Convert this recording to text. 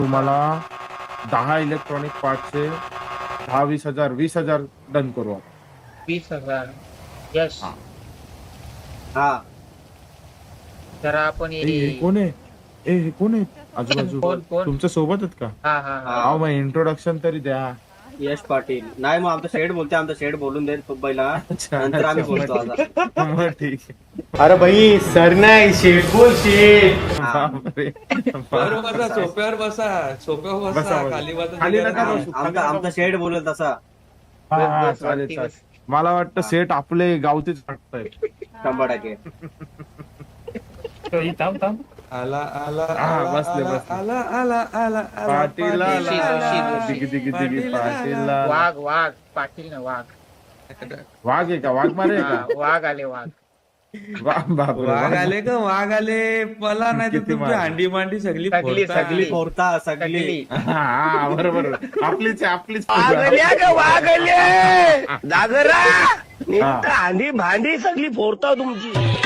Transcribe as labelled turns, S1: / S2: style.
S1: तुम्हाला 10 इलेक्ट्रॉनिक पार्टचे 10-20 हजार 20 हजार डन करू आपण.
S2: 20,000 यस.
S1: हा.
S3: हा
S2: जरा आपण
S1: हे कोण आहे? हे कोण आहे आजूबाजू?
S2: कोण?
S1: तुमच्या सोबत आहेत का?
S2: हा हा हा
S1: अहो मग इंट्रोडक्शन तरी द्या.
S3: यश पाटील नाही मग आमचा शेड बोलते आमचा शेड बोलून देईल खूप पहिला नंतर आम्ही बोलतो आता.
S1: मग ठीक आहे.
S4: अरे भाई सर नाही शेठ बोल शेठ.
S1: बापरे.
S5: बरोबर बसा सोप्यावर बसा सोप्यावर
S1: बसा,
S5: बसा
S1: बसा.
S5: खाली बसा
S1: खाली नका
S5: तिकडे
S1: बसू.
S3: आमचा शेड बोलेल तसा
S1: हा, हा,
S2: बस,
S1: चालेल
S2: वरती
S1: चालेल.
S2: बस.
S1: मला वाटतं सेट आपले गावचेच वाटतायत.
S3: 100%.
S5: आला आला
S1: हा,
S5: आला
S1: बसले,
S5: आला
S1: बसले.
S5: आला आला आला आला
S1: पाटील आला.
S2: पाटील.
S1: दिगी दिगी दिगी
S5: पाटील
S1: पाटील
S5: आला.
S1: आला.
S2: वाघ पाटील ना वाघ.
S1: वाघ आहे का? वाघ मारे आहे
S2: हा,
S1: का?
S2: वाघ आले वाघ.
S1: बापरे,
S5: वाघ आले का वाघ आले पला नाही तर
S1: किती
S5: तुमची
S1: मार.
S5: हांडी मांडी सगळी
S2: सगळी,
S5: फोडता.
S2: सगळी.
S3: फोडता सगळी
S2: सगळी.
S1: हा बरोबर आपलीच आहे, आपलीच
S4: वागल्या दादरा
S1: हा.
S4: भांडी भांडी सगळी फोडता तुमची.